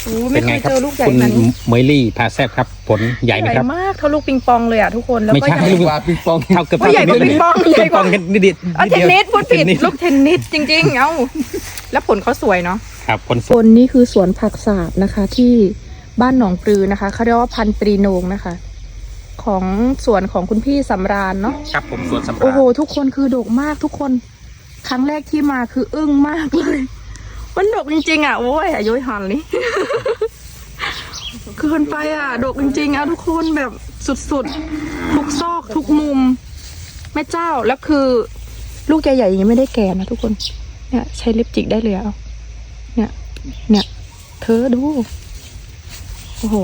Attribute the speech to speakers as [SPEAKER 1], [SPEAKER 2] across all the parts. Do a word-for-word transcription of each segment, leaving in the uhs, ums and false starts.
[SPEAKER 1] โอ้ไม่เคยเจอลูกใหญ่ขนาดนี้
[SPEAKER 2] คุณเมลี่พาแซบครับผลใหญ่ไหมครับ
[SPEAKER 1] มากเท่าลูกปิงปองเลยอ่ะทุกคนแล้วก็
[SPEAKER 2] ไม่ใช่ลูกปิงปองเท่ากับ
[SPEAKER 1] ใหญ่กว่าปิงปองใหญ่กว่า
[SPEAKER 2] นิดเดียว
[SPEAKER 1] เทนนิสพูดผิดลูกเทนนิสจริงๆเอ้าแล้วผลเขาสวยเนาะ
[SPEAKER 2] ครับผลส
[SPEAKER 1] วย นี่คือสวนผักสาบนะคะที่บ้านหนองปลือนะคะเขาเรียกว่าพันตรีโหนงนะคะของสวนของคุณพี่สำราญเนาะ
[SPEAKER 2] ครับผมสวนสำราญ
[SPEAKER 1] โอ้โหทุกคนคือดกมากทุกคนครั้งแรกที่มาคืออึ้งมากเลยมันดกจริงๆอ่ะโอ้ยอายุหันนี่ เกินไปอ่ะดกจริงๆอ่ะทุกคนแบบสุดๆทุกซอกทุกมุมแม่เจ้าแล้วคือลูกใหญ่ๆยังไม่ได้แก่นะทุกคนเนี่ยใช้ลิปจิกได้เลยอ่ะเนี่ยเนี่ยเธอดูโอ้โห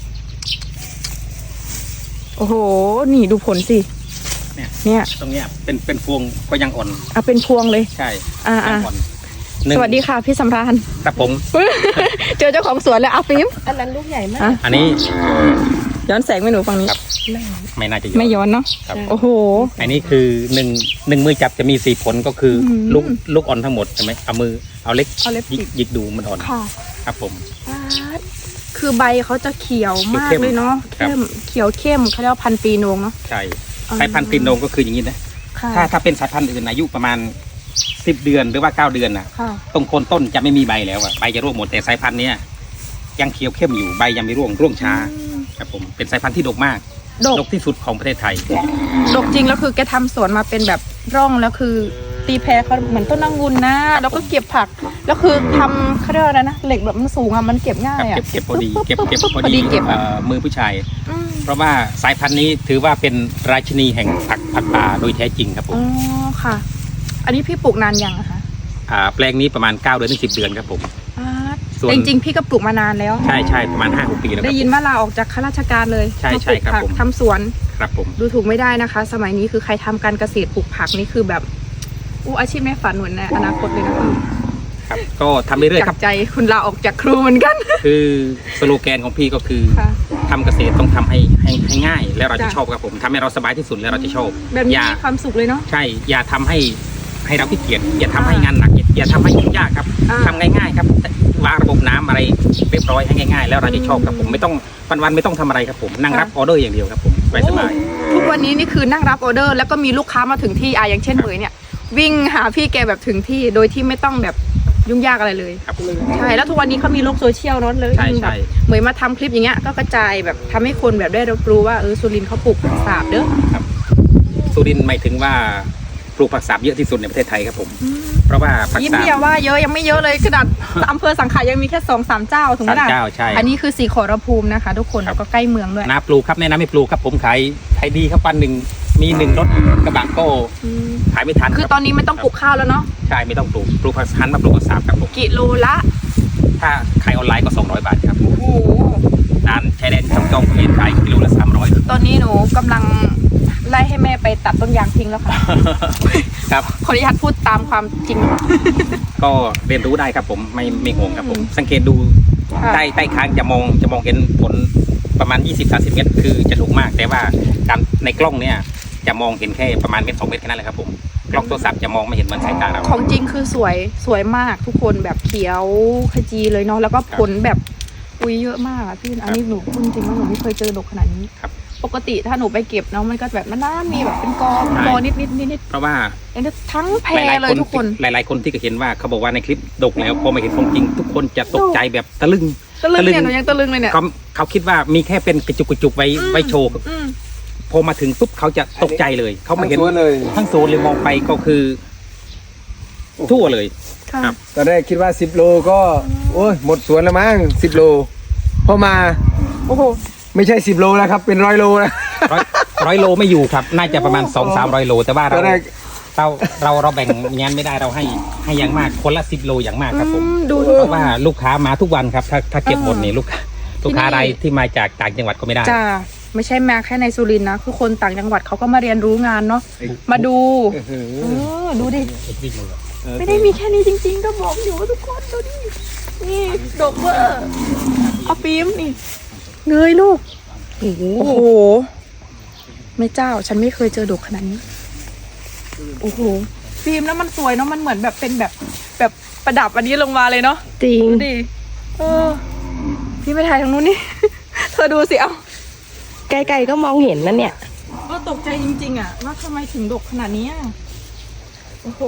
[SPEAKER 1] โอ้โหนี่ดูผลสิเนี่ย
[SPEAKER 2] ตรงเนี้ยเป็นเป็นพวงก็ยังอ่อน
[SPEAKER 1] อ่ะเป็นพวงเลย
[SPEAKER 2] ใช่
[SPEAKER 1] อ่าอ่าสวัสดีค่ะพี่สำราญ
[SPEAKER 2] ครับผม
[SPEAKER 1] เจอเจ้าของสวนแล้วอาฟิล์มอันนั้นลูกใหญ่มาก
[SPEAKER 2] อันนี้
[SPEAKER 1] ย้อนแสงไม่หนูฝั่งนี้
[SPEAKER 2] ไม่น่าจะย้อน
[SPEAKER 1] ไม่ย้อนเนาะโอ้โห
[SPEAKER 2] อันนี้คือหนึ่งหนึ่งมือจับจะมีสี่ผลก็คือลูกลูกอ่อนทั้งหมดใช่ไหมเอามือเอาเล็กยิกดูมันอ่อนครับผม
[SPEAKER 1] คือใบเขาจะเขียวมากเลยเนาะเข้มเขียวเข้มเขาเรียกว่าพันปีโหนงเนาะ
[SPEAKER 2] ใช่สายพันธุ์ปีโหนงก็คืออย่างนี้นะถ้าถ้าเป็นสายพันธุ์อื่นอายุประมาณสิบเดือนหรือว่าเก้าเดือนนะตรงโคนต้นจะไม่มีใบแล้วอะใบจะร่วงหมดแต่สายพันธุ์นี้ยังเขียวเข้มอยู่ใบยังไม่ร่วงร่วงช้าครับผมเป็นสายพันธุ์ที่ดกมากดกที่สุดของประเทศไทย
[SPEAKER 1] ดกจริงแล้วคือแกทำสวนมาเป็นแบบร่องแล้วคือตีแพรเขาเหมือนต้นนางงุนนะแล้วก็เก็บผักแล้วคือทำเขาเรียกอะไรนะเหล็กแบบมันสูงอะมันเก็บง่ายอะ
[SPEAKER 2] เก็บพอดีเก็บเก็บพอดีเก็บมือผู้ชายเพราะว่าสายพันธุ์นี้ถือว่าเป็นราชินีแห่งผักผักป่าโดยแท้จริงครับผม
[SPEAKER 1] อ๋อค่ะอันนี้พี่ปลูกนานยังอะคะ
[SPEAKER 2] อ่าแปลงนี้ประมาณเก้าเดือนถึงสิบเดือนครับผม
[SPEAKER 1] จริงจริงพี่ก็ปลูกมานานแล้ว
[SPEAKER 2] ใช่ใช่ประมาณห้าหกปีแล้ว
[SPEAKER 1] ได้ยินว่าลาออกจากข้าราชการเลย
[SPEAKER 2] ใช่ใช่ครับผม
[SPEAKER 1] ทำสวน
[SPEAKER 2] ครับผม
[SPEAKER 1] ดูถูกไม่ได้นะคะ สมัยนี้คือใครทำการเกษตรปลูกผักนี่คือแบบอู้อาชีพแม่ฝันเหมือนในอนาคตเลยนะคะ
[SPEAKER 2] ครับก็ทำเรื่อยๆครับ
[SPEAKER 1] ใจคุณลาออกจากครูเหมือนกัน
[SPEAKER 2] คือสโลแกนของพี่ก็คือทำเกษตรต้องทำให้ให้ให้ง่ายแล้วเราจะชอบครับผมทำให้เราสบายที่สุดแล้วเราจะชอบ
[SPEAKER 1] แบบนี้มีความสุขเลยเนาะ
[SPEAKER 2] ใช่อย่าทำให้ให้เราขี้เกียจอย่าทำให้งานหนักอย่าทำให้ยุ่งยากครับทำง่ายๆครับวางระบบน้ำอะไรเรียบร้อยให้ง่ายๆแล้วเราจะชอบครับผมไม่ต้องวันๆไม่ต้องทำอะไรครับผมนั่งรับออเดอร์อย่างเดียวครับผมสบาย
[SPEAKER 1] ทุกวันนี้นี่คือนั่งรับออเดอร์แล้วก็มีลูกค้ามาถึงที่อ่ะอย่างเช่นเหมยเนี่ยวิ่งหาพี่แกแบบถึงที่โดยที่ไม่ต้องแบบยุ่งยากอะไรเลยใช่แล้วทุกวันนี้เขามีโลกโซเชียลเนาะเลยแบบเหมยมาทำคลิปอย่างเงี้ยก็กระจายแบบทำให้คนแบบได้รับรู้ว่าเออสุรินทร์เขาปลูกผักสาบเด้อ
[SPEAKER 2] ครับสุรินทร์หมายถึงว่าปลูกผักสาบเยอะที่สุดในประเทศไทยครับผมเพราะว่าผักสาบ
[SPEAKER 1] ยิ้มเดียวว่าเยอะยังไม่เยอะเลยขนาดอำเภอสังขะยังมีแค่สองสามเจ้าถึงขนาดอันนี้คือสีขอรภูมินะคะทุกคนแล้วก็ใกล้เมืองด้วย
[SPEAKER 2] นาปลูกครับแนะนำให้ปลูกครับผมขายขายดีครับวันหนึ่งมีหนึ่งรถกระบะก็ขายไม่ทัน
[SPEAKER 1] คือตอนนี้ไม่ต้องปลูกข้าวแล้วเนาะ
[SPEAKER 2] ใช่ไม่ต้องปลูกปลูกผักหันมาปลูกผักสาบครับผม
[SPEAKER 1] กิโลละ
[SPEAKER 2] ถ้าขายออนไลน์ก็สองร้อยบาทครับโอ้โหร้านชายแดนช่องจอมเห็นขายกิโลละสามร้อย
[SPEAKER 1] ตอนนี้หนูกำลังไล่ให้แม่ไปตัดต้นยางทิ้งแล้วค่ะ
[SPEAKER 2] ครับ
[SPEAKER 1] ขออนุญาตพูดตามความจริง
[SPEAKER 2] ก็เรียนรู้ได้ครับผมไม่ไม่ห่วงครับผมสังเกตดูใต้ใต้ค้างจะมองจะมองเห็นผลประมาณ ยี่สิบถึงสามสิบ เมตรคือจะถูกมากแต่ว่าตามในกล้องเนี่ยจะมองเห็นแค่ประมาณเมตรสองเมตรแค่นั้นแหละครับผมกล้องโทรศัพท์จะมองไม่เห็นเหมือนสายตาเรา
[SPEAKER 1] ของจริงคือสวยสวยมากทุกคนแบบเขียวขจีเลยเนาะแล้วก็ผลแบบอุ้ยเยอะมากอ่ะพี่อันนี้หนูพูดจริงว่าหนูไม่เคยเจอดกขนาดนี้ปกติถ้าหนูไปเก็บเนาะมันก็แบบมันน่ามีแบบเป็นกองกอนิดนิดนิดนิด
[SPEAKER 2] เพราะว่า
[SPEAKER 1] ทั้งแพรเลยทุกคน
[SPEAKER 2] หลายๆคนที่เห็นว่าเขาบอกว่าในคลิปดกแล้วพอมาเห็นของจริงทุกคนจะตกใจแบบตะลึง
[SPEAKER 1] ตะลึงเนี่ยหนูยังตะลึงเลยเนี่ย
[SPEAKER 2] เขาเขาคิดว่ามีแค่เป็นกระจุกกระจุกไว้ไว้โชว์พอมาถึงปุ๊บเขาจะตกใจเลยเขาไม่เห็นทั้งโซนเลยมองไปก็คือทั่วเลย
[SPEAKER 3] ครับตอนแรกคิดว่าสิบโลก็โอ้ยหมดสวนแล้วมั้งสิบโลพอมาโอ้โหไม่ใช่สิบโลแล้วครับเป็นร้อยโลนะ
[SPEAKER 2] ร้อยโลไม่อยู่ครับน่าจะประมาณสองสามร้อยโลแต่ว่าเราเราเราเราแบ่งงานไม่ได้เราให้ให้อย่างมากคนละสิบโลอย่างมากครับผมเพราะว่าลูกค้ามาทุกวันครับถ้าถ้าเก็บหมดนี่ลูกลูกค้าอะไรที่มาจากต่างจังหวัดก็ไม่ได้
[SPEAKER 1] จ้าไม่ใช่มาแค่ในสุรินทร์นะคือคนต่างจังหวัดเขาก็มาเรียนรู้งานเนาะมาดูเออดูดิไม่ได้มีแค่นี้จริงๆก็บอกอยู่ว่าทุกคนดูดินี่ดอกเบอร์เอาฟิล์มนี่เงยลูกโอ้โหแม่เจ้าฉันไม่เคยเจอดอกขนาดนี้โอ้โหฟิล์มแล้วมันสวยเนาะมันเหมือนแบบเป็นแบบแบบประดับอันนี้ลงมาเลยเนาะ
[SPEAKER 4] จริง
[SPEAKER 1] ดิเออพี่ไม่ถ่ายทางนู้นนี่ เธอดูสิเอา
[SPEAKER 4] ไกลๆก็มองเห็นนั่นเนี่ย
[SPEAKER 1] ก็ตกใจจริงๆอ่ะว่าทำไมถึงดกขนาดนี้อะโอ้โห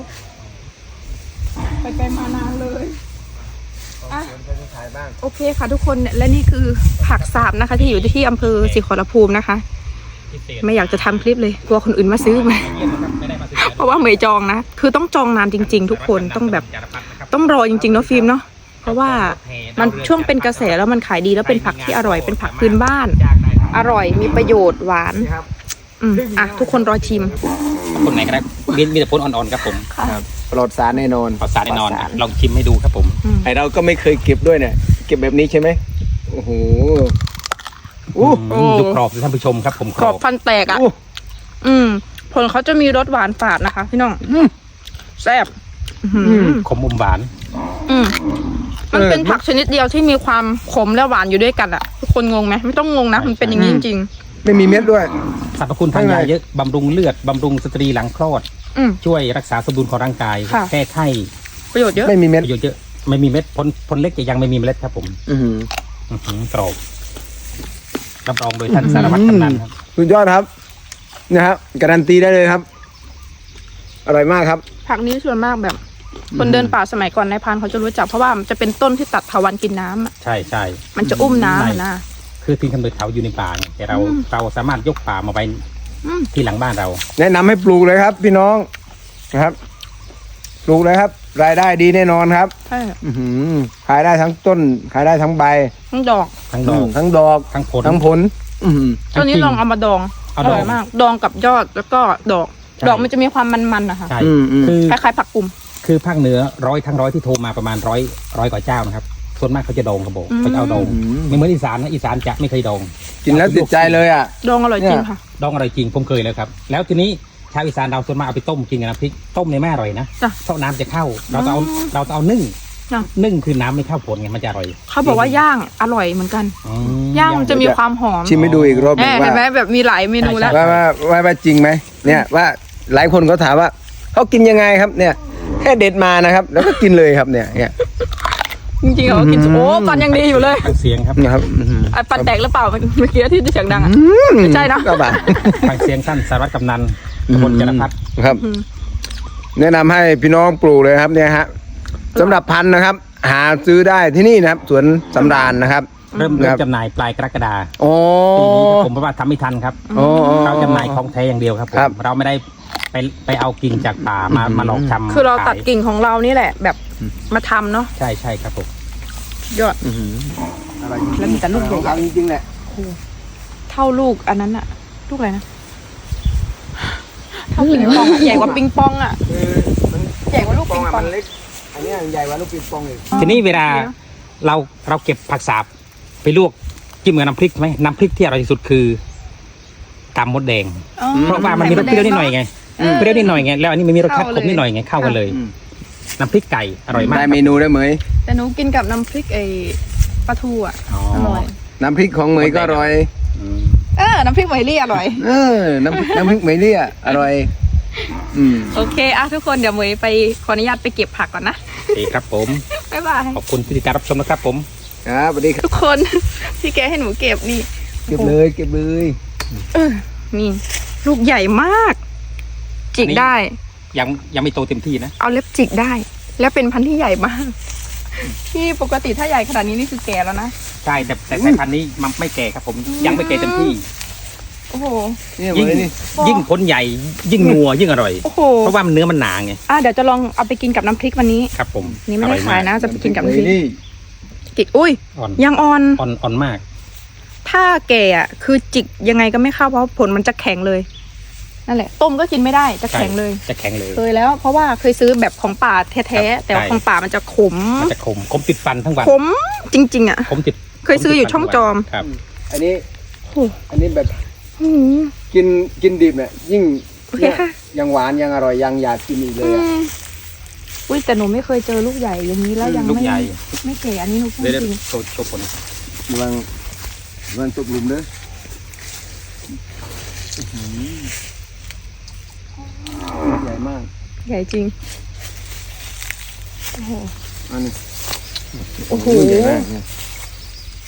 [SPEAKER 1] ไปไกลมานานเลยอ่ะโอเคค่ะทุกคนและนี่คือผักสาบนะคะ ที่อยู่ที่อำเภอศรีขอรภูมินะคะ ไม่อยากจะทำคลิปเลยกลัวคนอื่นมาซื้อมาเพราะว่าเหมยจองนะคือต้องจองนานจริง ๆ ทุกคนต้องแบบต้องรอจริงๆเนาะฟิล์มเนาะเพราะว่ามันช่วงเป็นกระแสแล้วมันขายดีแล้วเป็นผักที่อร่อยเป็นผักพื้นบ้าน อร่อยมีประโยชน์หวานอืมอ่ะทุกคนรอชิม
[SPEAKER 2] คนไหนก็ได้มีมีแต่ผลอ่อนๆครับผม
[SPEAKER 3] ครับปลอดสารแน่นอน
[SPEAKER 2] ปลอดสารแน่นอนลองชิมให้ดูครับผม
[SPEAKER 3] ไอเราก็ไม่เคยเก็บด้วยเนี่ยเก็บแบบนี้ใช่ไหมโอ้โห
[SPEAKER 2] อู้ดูกรอบท่านผู้ชมครับผม
[SPEAKER 1] กรอบฟันแตกอ่ะอืมผลเขาจะมีรสหวานฝาดนะคะพี่น้องแซ่บ
[SPEAKER 2] ขมอมหวาน
[SPEAKER 1] อืมมันเป็นผักชนิดเดียวที่มีความขมและหวานอยู่ด้วยกันอ่ะทุกคนงงไหมไม่ต้องงงนะมันเป็นอย่างนี้จริง
[SPEAKER 3] ไม่มีเม็ดด้วย
[SPEAKER 2] สรรพคุณทางยาเยอะบำรุงเลือดบำรุงสตรีหลังคลอด
[SPEAKER 1] ๆอืม
[SPEAKER 2] ช่วยรักษาสมดุลของร่างกาย
[SPEAKER 1] ค่ะ
[SPEAKER 2] แก้ไข้
[SPEAKER 1] ประโยชน์เยอะ
[SPEAKER 3] ไม่มีเม็ด
[SPEAKER 2] ประโยชน์เยอะไม่มีเม็ดผลผลเล็กจะยังไม่มีเมล็ดครับผม
[SPEAKER 3] อื้อหือ
[SPEAKER 2] อื้อหือกรอบรับรองโดยท่านสารวัตรกำนันครับ
[SPEAKER 3] สุดยอดครับนะครับการันตีได้เลยครับ อร่อยมากครับ
[SPEAKER 1] ผักนี้ส่วนมากแบบ คนเดินป่าสมัยก่อนในายพรานเขาจะรู้จักเพราะว่ามันจะเป็นต้นที่ตัดเถาวัลย์กินน้ำอะ
[SPEAKER 2] ใช่ใช่
[SPEAKER 1] มันจะอุ้มน้ำอะนะ
[SPEAKER 2] คือทิ้งกำเนิดเขาอยู่ในป่าไงแต่เรา
[SPEAKER 1] อืม
[SPEAKER 2] เราสามารถยกป่ามาไว้
[SPEAKER 1] อืม
[SPEAKER 2] ที่หลังบ้านเรา
[SPEAKER 3] แนะนำให้ปลูกเลยครับ พี่น้องนะครับ ปลูกเลยครับ รายได้ดีแน่นอนครับ
[SPEAKER 1] ใช่
[SPEAKER 3] อื้อหือขายได้ทั้งต้น ขายได้ทั้งใบ
[SPEAKER 1] ทั้งดอก
[SPEAKER 2] ทั้งดอก
[SPEAKER 3] ทั้งดอก
[SPEAKER 2] ทั้งผล
[SPEAKER 3] ทั้งผล อื้อหือ
[SPEAKER 1] ตอนนี้ลองเอามาดองอ
[SPEAKER 2] เอาดอง
[SPEAKER 1] ร่อยมาก ดองกับยอดแล้วก็ดอก
[SPEAKER 2] ใช่
[SPEAKER 1] ดอกมันจะมีความมันๆนะคะ
[SPEAKER 2] ใช่
[SPEAKER 3] อืมอืม
[SPEAKER 2] คือ
[SPEAKER 1] คล้ายๆผักกลุ่ม
[SPEAKER 2] คือภาคเหนือร้อยทั้งร้อยที่โทรมาประมาณร้อยร้อยกว่าเจ้านะครับส่วนมากเขาจะดองครับผม
[SPEAKER 1] อืม
[SPEAKER 2] เขาจะเอาดองไม่เหมือนอีสานนะอีสานจะไม่เคยดอง
[SPEAKER 3] กินแล้วติดใจเลยอ่ะ
[SPEAKER 1] ดองอร่อยจริงค่ะ
[SPEAKER 2] ดองอะไรจริงผมเคยแล้วครับ แล้วทีนี้ชาวอีสานเราส่วนมากเอาไปต้มกินกับน้ำพริกต้มในแม่อร่อยนะ
[SPEAKER 1] จ้ะ
[SPEAKER 2] เพราะน้ำจะเข้า เราต้องเอา
[SPEAKER 1] อ๋อ
[SPEAKER 2] เราต้องเอานึ่ง
[SPEAKER 1] จ้ะ
[SPEAKER 2] นึ่งคือน้ำไม่เข้าผลไงมันจะอร่อย
[SPEAKER 1] เขาบอกว่าย่างอร่อยเหมือนกัน
[SPEAKER 2] อืม
[SPEAKER 1] ย่างมันจะมีความหอม
[SPEAKER 3] ชิมให้ดูอีกรอบห
[SPEAKER 1] แห
[SPEAKER 3] นึ่ง
[SPEAKER 1] มเห็
[SPEAKER 3] ว่าน
[SPEAKER 1] ไหมแบบมีหลายเมนูแล้ว
[SPEAKER 3] ว่าว่าว่าว่าจริงไหมเนี่ยว่าหลายคนเขาถามว่าเขากินยังไงครับ เนี่ยแค่เด็ดมานะครับ แล้วก็กินเลยครับเนี่ยเนี่ย
[SPEAKER 1] จริงๆเขากินโอ้ปันยังดีอยู่เลย
[SPEAKER 2] ฟังเสียงครับ
[SPEAKER 3] นะครับอื้อหือ
[SPEAKER 1] ไอ้ปันแตกหรือเปล่าเมื่อกี้ที่เสียงดังอ่ะ ไม่ใช่นะ
[SPEAKER 3] ก็แบบ
[SPEAKER 2] ฟังเสียงท่านสารวัตรกำนันตำบลจรพัฒน์
[SPEAKER 3] ครับ แนะนำให้พี่น้องปลูกเลยครับเนี่ยฮะสำหรับพันธุ์นะครับ หาซื้อได้ที่นี่นะครับสวนสำราญนะครับ
[SPEAKER 2] เริ่ม
[SPEAKER 3] ค
[SPEAKER 2] เริ่
[SPEAKER 3] รั
[SPEAKER 2] ม
[SPEAKER 3] บ
[SPEAKER 2] จำหน่ายปลายกรกฎา
[SPEAKER 3] โอ้
[SPEAKER 2] ปีนี้ครับผมเพราะว่าทำไม่ทันครับ
[SPEAKER 3] โอ้โอ้
[SPEAKER 2] เราจำหน่ายของแท้อย่างเดียวครับผม
[SPEAKER 3] ครับ
[SPEAKER 2] เราไม่ได้ไปไปเอากิ่งจากป่ามามาหลอกทำ
[SPEAKER 1] คือเราตัด
[SPEAKER 2] ขย
[SPEAKER 1] กิ่งของเรานี่แหละ แบบมาทำเนาะ
[SPEAKER 2] ใช่ใช่ครับผม
[SPEAKER 1] ยอด
[SPEAKER 3] อื้อหืออะไร
[SPEAKER 1] แล้วมีแต่ลูกใหญ่
[SPEAKER 3] เอาจริงๆแหละ
[SPEAKER 1] เท่าลูกอันนั้นอะลูกอะไรนะเท่าปิงปองอะใหญ่กว่าปิงปองอะ
[SPEAKER 3] คือมัน
[SPEAKER 1] ใหญ่กว่าลูกปิงปอง
[SPEAKER 3] มันเล็กอันนี้ใหญ่กว่าลูกปิงปองอีก
[SPEAKER 2] ทีนี้เวลาเราเราเก็บผักสาบไปลวกจิ้มกับน้ำพริกไหมน้ำพริกที่อร่อยที่สุดคือกำมดแดง
[SPEAKER 1] อ๋อ
[SPEAKER 2] เพราะว่ามันมีรสเปรี้ยวนิดหน่อยไง
[SPEAKER 1] เออ
[SPEAKER 2] เปรี้ยวนิดหน่อยไงแล้วอันนี้มันมีรสชาติ
[SPEAKER 1] เข้า
[SPEAKER 2] ข
[SPEAKER 1] เลย
[SPEAKER 2] มนิดหน่อยไงเข้ากันเลย
[SPEAKER 3] อืม
[SPEAKER 2] น้ำพริกไก่อร่อยมาก
[SPEAKER 3] ได้เมนูได้ไหม
[SPEAKER 1] แต่หนูกินกับน้ำพริกไอ้ปลาทูอะ
[SPEAKER 2] อ๋อ
[SPEAKER 1] อร่อย
[SPEAKER 3] น้ำพริกของเหมยก็อร่อย
[SPEAKER 2] อืม
[SPEAKER 1] เออน้ำพริกไหมลี่อร่อย
[SPEAKER 3] เออ น้ำพริกน้ำพริกเหมยเนี่ยอร่อย อืม
[SPEAKER 1] โอเคอะทุกคนเดี๋ยวเหมยไปขออนุญาตไปเก็บผักก่อนนะ
[SPEAKER 2] โอเคครับผม
[SPEAKER 1] บ๊ายบาย
[SPEAKER 2] ขอบคุณที่ติดตามรับชมนะครับผม
[SPEAKER 3] ครับสวัสดีครับ
[SPEAKER 1] ทุกคน ที่แกให้หนูเก็บนี่
[SPEAKER 3] เก็บเลยเก็บเลย
[SPEAKER 1] เออนี่ ลูกใหญ่มาก จิกได้
[SPEAKER 2] ยังยังไม่โตเต็มที่นะ
[SPEAKER 1] เอาเล็บจิกได้ แล้วเป็นพันธุ์ที่ใหญ่มาก ที่ปกติถ้าใหญ่ขนาดนี้นี่คือแก่แล้วนะ
[SPEAKER 2] ใช่แต่แต่สายพันธุ์นี้มันไม่แก่ครับผมยังไม่แก่เต็มที่
[SPEAKER 1] โอ้โห
[SPEAKER 3] นี่เหม
[SPEAKER 2] ยิ่ง
[SPEAKER 3] ยนี่
[SPEAKER 2] ยิ่งผลใหญ่ยิ่งนัวยิ่งอร่อย
[SPEAKER 1] โอ้โห
[SPEAKER 2] เพราะว่ามันเนื้อมันหนาไง
[SPEAKER 1] อ่ะเดี๋ยวจะลองเอาไปกินกับน้ำพริกวันนี้
[SPEAKER 2] ครับผม
[SPEAKER 1] นี่ไม่ได้
[SPEAKER 2] อร่อ
[SPEAKER 1] ขายนะ จะไปกินกับน้ำพริก
[SPEAKER 3] นี่
[SPEAKER 1] จิกอุ้ย
[SPEAKER 2] อ่อน
[SPEAKER 1] ยังอ่อน
[SPEAKER 2] อ่อนอ่อนมาก
[SPEAKER 1] ถ้าแก่อ่ะคือจิกยังไงก็ไม่เข้าเพราะผลมันจะแข็งเลย นั่นแหละ ต้มก็กินไม่ได้จะแข็งเลย
[SPEAKER 2] จะแข็งเลย
[SPEAKER 1] เคยแล้ว เพราะว่าเคยซื้อแบบของป่าแท้ๆแต่ว่า
[SPEAKER 2] ใช่
[SPEAKER 1] ของป่ามันจะขม
[SPEAKER 2] มันจะขมขมติดฟันทั้งวัน
[SPEAKER 1] ขมจริงๆอ่ะ
[SPEAKER 2] ขมติด
[SPEAKER 1] เคยซื้ออยู่ช่องจอม
[SPEAKER 2] ครับ
[SPEAKER 3] อันนี้
[SPEAKER 1] โอ้
[SPEAKER 3] อันนี้แบบ
[SPEAKER 1] อืม
[SPEAKER 3] กินกินดิบเนี่ยยิ่ง
[SPEAKER 1] โอเคค่ะ
[SPEAKER 3] ยังหวานยังอร่อยยังอยากกินอีกเลยอะ
[SPEAKER 1] อุ้ยแต่หนูไม่เคยเจอลูกใหญ่อย่างนี้แล้วยัง
[SPEAKER 2] ลูก
[SPEAKER 1] ไม่
[SPEAKER 2] ใหญ่
[SPEAKER 1] ไม่แก่อันนี้หนูพูด
[SPEAKER 2] เดี๋ยว
[SPEAKER 1] จริง
[SPEAKER 2] โชว์โชว์ผล
[SPEAKER 3] กำลังกำลังตกหลุมเลยใหญ่มาก
[SPEAKER 1] ใหญ่จริงโอ้โห
[SPEAKER 3] อันนี้
[SPEAKER 1] โอ้โห
[SPEAKER 3] ใหญ่มากเนี่ย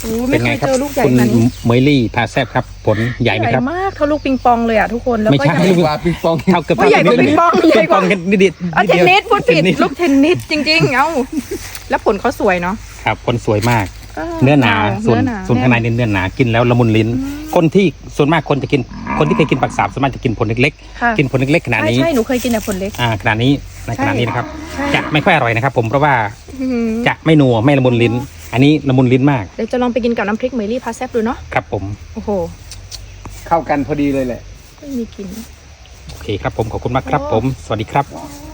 [SPEAKER 1] อ้ไม่เคยเจอลูกใหญ่
[SPEAKER 2] คุณ
[SPEAKER 1] ขนาดนี้
[SPEAKER 2] เมยลี่พาแซบครับ ผลใหญ่ไหมครับ
[SPEAKER 1] มากเท่าลูกปิงปองเลยอ่ะทุกคนแล้ว
[SPEAKER 2] ไม่
[SPEAKER 1] ก็
[SPEAKER 2] ใช่
[SPEAKER 1] ยัง
[SPEAKER 3] กว่าปิงปอง
[SPEAKER 2] เท่าเกือบ
[SPEAKER 1] โอ้ยใหญ่กว่าปิงปองใหญ่
[SPEAKER 2] ปิง
[SPEAKER 1] ก
[SPEAKER 2] ป
[SPEAKER 1] ว่า
[SPEAKER 2] องกันนิดเดียว
[SPEAKER 1] เอาเทนนิสพูดผิด
[SPEAKER 2] เทนนิส
[SPEAKER 1] ลูกเทนนิสจริงๆ เอ้าแล้วผลเขาสวยเนาะ
[SPEAKER 2] ครับผลสวยมาก
[SPEAKER 1] เออ
[SPEAKER 2] เนื้อหนา
[SPEAKER 1] เ
[SPEAKER 2] ส่วน
[SPEAKER 1] เอห
[SPEAKER 2] ส่วนข้างในเนื้อหนากินแล้วละมุนลิ้น คนที่ส่วนมากคนจะกินคนที่เคยกินปักสาบส่วนมากจะกินผลเล็ก
[SPEAKER 1] ค่ะ
[SPEAKER 2] ๆกินผลเล็กๆขนาด
[SPEAKER 1] ใช่
[SPEAKER 2] นี้
[SPEAKER 1] ใช่หนูเคยกินแต่ผลเล็ก
[SPEAKER 2] อ่าขนาดนี้ใน
[SPEAKER 1] ใช่
[SPEAKER 2] ขนาดนี้นะครับ
[SPEAKER 1] ใช่
[SPEAKER 2] จะไม่ค่อยอร่อยนะครับ ผมเพราะว่า
[SPEAKER 1] อื้อหือ
[SPEAKER 2] จะไม่นัวไม่ละมุนลิ้น อันนี้ละมุนลิ้นมาก
[SPEAKER 1] เดี๋ยวจะลองไปกินกับน้ำพริกเมลี่พาแซบดูเนาะ
[SPEAKER 2] ครับผม
[SPEAKER 1] โอ้โห
[SPEAKER 3] เข้ากันพอดีเลยแหละ
[SPEAKER 1] ไม่มีกลิ่น
[SPEAKER 2] โอเคครับผมขอบคุณมากครับ ผม สวัสดีครับ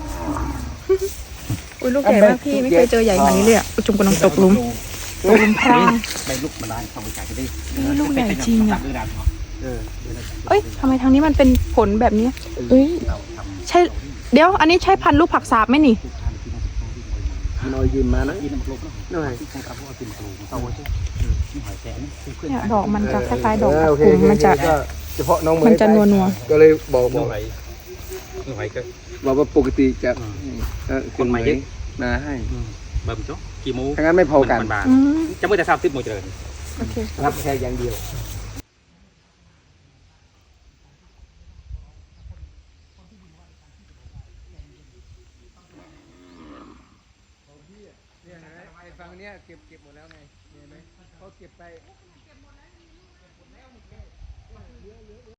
[SPEAKER 1] อุ้ยลูกใหญ่มากพี่ไม่เคยเจอใหญ่ขนาดนี้เลยอ่ะอุยจุ่มกำลังตกหลุมตกหลุมพราง
[SPEAKER 2] ไปลุกมาได้ต้องไปจ่ายจะได้
[SPEAKER 1] เอ้ยลูกใหญ่จริงอ่ะ
[SPEAKER 3] เออ
[SPEAKER 1] เอ้ยทำไมทางนี้มันเป็นผลแบบนี้เอ้ยใช่เดี๋ยวอันนี้ใช่พันธุ์ลูกผักสาบไหมนี่
[SPEAKER 3] น้อยยืมมานะหน่อย
[SPEAKER 1] เนี่ยดอกมันจะคล้ายๆดอก
[SPEAKER 3] เออ
[SPEAKER 1] ผัก
[SPEAKER 3] โอเค
[SPEAKER 1] กุม
[SPEAKER 3] โอเค
[SPEAKER 1] มันจะ
[SPEAKER 3] ก็เฉพาะน้องเมย์
[SPEAKER 1] มันจะนัว
[SPEAKER 3] ก็เลยบอกบ
[SPEAKER 2] น้
[SPEAKER 3] อ
[SPEAKER 2] อก งไหลน้องไหลก็
[SPEAKER 3] บอกว่าปกติจะเออ
[SPEAKER 2] คนมาเยอะ
[SPEAKER 3] มาให้
[SPEAKER 2] เบิ่มจ๊กกี่โมง
[SPEAKER 3] ถ้างั้นไม่พอกัน
[SPEAKER 2] บาน
[SPEAKER 1] อืม
[SPEAKER 2] ๆจะไม่แต่ทราบทิพย์โมงเจริญ
[SPEAKER 1] โอเค
[SPEAKER 3] รับแค่อย่างเดียวเนี่ยไอ้ฝั่งเนี้ยเก็บเก็บหมดแล้วไงเห็นไหมเขาเก็บไป